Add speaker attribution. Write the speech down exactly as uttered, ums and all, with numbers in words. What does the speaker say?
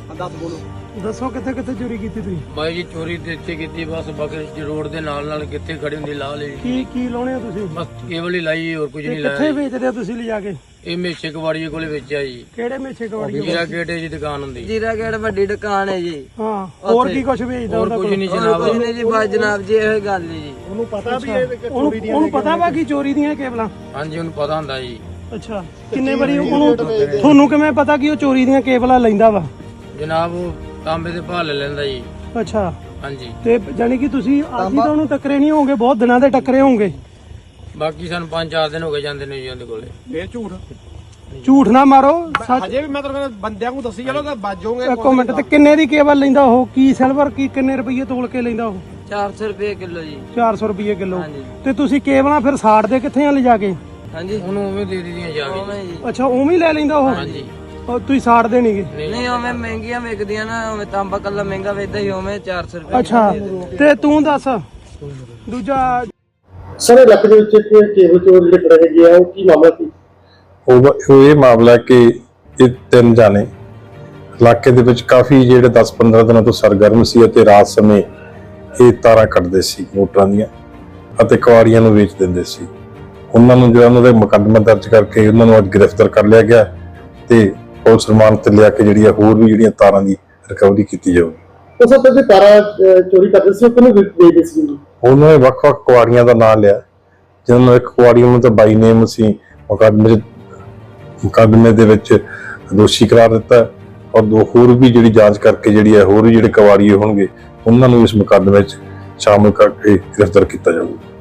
Speaker 1: ਦੱਸ ਬੋਲੋ।
Speaker 2: ਦੱਸੋ ਕਿੱਥੇ ਕਿੱਥੇ ਚੋਰੀ ਕੀਤੀ ਤੁਸੀਂ?
Speaker 3: ਬਾਈ ਜੀ ਚੋਰੀ ਤੇ ਇੱਥੇ ਕੀਤੀ ਬਸ ਬਕਰ ਰੋਡ ਦੇ ਨਾਲ ਨਾਲ ਕਿੱਥੇ ਖੜੀ ਹੁੰਦੀ ਲਾ ਲਈ
Speaker 2: ਕੀ ਕੀ ਲਾਉਣੇ ਆ ਤੁਸੀਂ?
Speaker 3: ਬਸ ਕੇਵਲ ਹੀ ਲਾਈ ਹੋਰ ਕੁਝ
Speaker 2: ਤੇ
Speaker 3: ਨਹੀਂ
Speaker 2: ਕਿੱਥੇ
Speaker 3: ਲਾਇਆ
Speaker 2: ਵੇਚਦੇ ਹੋ ਤੁਸੀਂ ਲਿਜਾ ਕੇ?
Speaker 3: ਇਹ ਮੇਛੇ ਕਵਾੜੀਏ ਕੋਲੇ ਵੇਚਿਆ ਜੀ।
Speaker 2: ਕਿਹੜੇ ਮੇਛੇ ਕਵਾੜੀ?
Speaker 3: ਜੀਰਾ ਗੇਟ ਦੀ ਦੁਕਾਨ ਹੁੰਦੀ।
Speaker 4: ਜੀਰਾ ਗੇਟ ਵੱਡੀ ਦੁਕਾਨ ਹੈ ਜੀ।
Speaker 2: ਹਾਂ ਹੋਰ ਕੀ ਕੁਝ ਵੇਚਦਾ
Speaker 3: ਹੋਰ
Speaker 2: ਉਹਦਾ
Speaker 3: ਕੁਝ
Speaker 2: ਕੋਲ?
Speaker 3: ਨਹੀਂ ਜਨਾਬ।
Speaker 4: ਕੁਝ ਨਹੀਂ ਜੀ ਬਸ ਜਨਾਬ ਜੀ ਇਹ ਗੱਲ ਹੈ ਜੀ।
Speaker 1: ਉਹਨੂੰ ਪਤਾ ਵੀ ਇਹ
Speaker 2: ਉਹਨੂੰ ਉਹਨੂੰ ਪਤਾ ਵਾ ਕਿ ਚੋਰੀ ਦੀਆਂ ਕੇਬਲਾਂ?
Speaker 3: ਹਾਂਜੀ ਉਹਨੂੰ ਪਤਾ ਹੁੰਦਾ ਜੀ।
Speaker 2: ਅੱਛਾ ਕਿੰਨੇ ਵਾਰੀ ਉਹਨੂੰ ਤੁਹਾਨੂੰ ਕਿਵੇਂ ਪਤਾ ਕਿ ਉਹ ਚੋਰੀ ਦੀਆਂ ਕੇਬਲਾਂ ਲੈਂਦਾ ਵਾ?
Speaker 3: ਜਨਾਬ ਉਹ ਤਾਂਬੇ ਦੇ ਭਾਅ ਲੈ ਲੈਂਦਾ ਜੀ।
Speaker 2: ਅੱਛਾ
Speaker 3: ਹਾਂਜੀ
Speaker 2: ਤੇ ਜਾਨੀ ਕਿ ਤੁਸੀਂ ਅੱਜ ਹੀ ਤਾਂ ਉਹਨੂੰ ਟੱਕਰੇ ਨਹੀਂ ਹੋਗੇ, ਬਹੁਤ ਦਿਨਾਂ ਦੇ ਟੱਕਰੇ ਹੋਗੇ।
Speaker 3: ਬਾਕੀ ਸਾਨੂੰ ਪੰਜ ਚਾਰ ਦਿਨ ਹੋ ਗਏ ਜਾਂਦੇ ਨੇ ਜੀ ਉਹਦੇ ਕੋਲੇ।
Speaker 1: ਇਹ ਝੂਠ
Speaker 2: ਝੂਠ ਨਾ ਮਾਰੋ ਸੱਚ।
Speaker 1: ਹਜੇ ਵੀ ਮੈਂ ਤੁਹਾਨੂੰ ਬੰਦਿਆਂ ਨੂੰ ਦੱਸੀ ਚਲੋ ਕਿ ਬਾਜੋਗੇ।
Speaker 2: ਇੱਕ ਮਿੰਟ ਤੇ ਕਿੰਨੇ ਦੀ ਕੇਬਲ ਲੈਂਦਾ ਉਹ? ਕੀ ਸਿਲਵਰ ਕੀ ਕਿੰਨੇ ਰੁਪਏ ਤੋਲ ਕੇ ਲੈਂਦਾ ਉਹ?
Speaker 4: ਚਾਰ ਸੌ ਰੁਪਏ ਕਿਲੋ ਜੀ।
Speaker 2: ਚਾਰ ਸੌ ਰੁਪਏ ਕਿਲੋ।
Speaker 4: ਹਾਂਜੀ।
Speaker 2: ਤੇ ਤੁਸੀਂ ਕੇਬਲਾਂ ਫਿਰ ਸਾੜਦੇ ਕਿੱਥੇ ਆ ਲਿਜਾ ਕੇ?
Speaker 4: ਹਾਂਜੀ
Speaker 3: ਉਹਨੂੰ ਉਵੇਂ ਦੇ ਦਿੱਤੀਆਂ ਜਾ ਕੇ
Speaker 4: ਉਵੇਂ ਜੀ।
Speaker 2: ਅੱਛਾ ਉਵੇਂ ਹੀ ਲੈ ਲੈਂਦਾ ਉਹ?
Speaker 3: ਹਾਂਜੀ
Speaker 2: ਉਹ ਤੁਸੀਂ ਸਾੜਦੇ ਨਹੀਂਗੇ?
Speaker 4: ਨਹੀਂ ਉਵੇਂ ਮਹਿੰਗੀਆਂ ਵਿਕਦੀਆਂ ਨਾ, ਉਵੇਂ ਤਾਂਬਾ ਕੱਲਾ ਮਹਿੰਗਾ ਵੇਚਦਾ ਹੀ ਉਵੇਂ ਚਾਰ ਸੌ ਰੁਪਏ
Speaker 2: ਅੱਛਾ ਤੇ ਤੂੰ ਦੱਸ ਦੂਜਾ
Speaker 5: ਸਰ ਇਲਾਕੇ ਦੇ ਵਿੱਚ ਕੇਬਲ ਚੋਰ ਜਿਹੜੇ ਫੜੇ ਗਏ ਆ ਉਹ ਕੀ ਮਾਮਲਾ ਸੀ?
Speaker 6: ਉਹ ਉਹ ਇਹ ਮਾਮਲਾ ਕਿ ਇਹ ਤਿੰਨ ਜਾਣੇ ਇਲਾਕੇ ਦੇ ਵਿੱਚ ਕਾਫੀ ਜਿਹੜੇ ਦਸ ਪੰਦਰਾਂ ਦਿਨਾਂ ਤੋਂ ਸਰਗਰਮ ਸੀ ਅਤੇ ਰਾਤ ਸਮੇਂ ਇਹ ਤਾਰਾਂ ਕੱਟਦੇ ਸੀ ਮੋਟਰਾਂ ਦੀਆਂ ਅਤੇ ਕੁਆੜੀਆਂ ਨੂੰ ਵੇਚ ਦਿੰਦੇ ਸੀ। ਉਹਨਾਂ ਨੂੰ ਜਿਹੜਾ ਉਹਨਾਂ ਦੇ ਮੁਕੱਦਮਾ ਦਰਜ ਕਰਕੇ ਉਹਨਾਂ ਨੂੰ ਅੱਜ ਗ੍ਰਿਫਤਾਰ ਕਰ ਲਿਆ ਗਿਆ ਤੇ ਪੁਲਿਸ ਰਿਮਾਂਡ ਤੇ ਲਿਆ ਕੇ ਜਿਹੜੀ ਹੋਰ ਵੀ ਜਿਹੜੀਆਂ ਤਾਰਾਂ ਦੀ ਰਿਕਵਰੀ ਕੀਤੀ ਜਾਊਗੀ।
Speaker 5: ਉਹ ਸਭ ਤੋਂ ਤਾਰਾ ਚੋਰੀ ਕਰਦੇ ਸੀ ਉਹ ਕਿਹਨੂੰ ਵੇਚਦੇ ਸੀ?
Speaker 6: ਉਹਨਾਂ ਨੇ ਵੱਖ-ਵੱਖ ਕੁਆੜੀਆਂ ਦਾ ਨਾਮ ਲਿਆ, ਜਿਹਨਾਂ ਨੂੰ ਇੱਕ ਕੁਆੜੀ ਨੂੰ ਤਾਂ ਬਾਈ ਨੇਮ ਅਸੀਂ ਮੁਕੱਦਮੇ ਮੁਕੱਦਮੇ ਦੇ ਵਿੱਚ ਦੋਸ਼ੀ ਕਰਾਰ ਦਿੱਤਾ ਔਰ ਦੋ ਹੋਰ ਵੀ ਜਿਹੜੀ ਜਾਂਚ ਕਰਕੇ ਜਿਹੜੀ ਹੈ ਹੋਰ ਵੀ ਜਿਹੜੇ ਕੁਆੜੀਏ ਹੋਣਗੇ ਉਹਨਾਂ ਨੂੰ ਇਸ ਮੁਕੱਦਮੇ ਵਿੱਚ ਸ਼ਾਮਲ ਕਰਕੇ ਗ੍ਰਿਫਤਾਰ ਕੀਤਾ ਜਾਊਗਾ।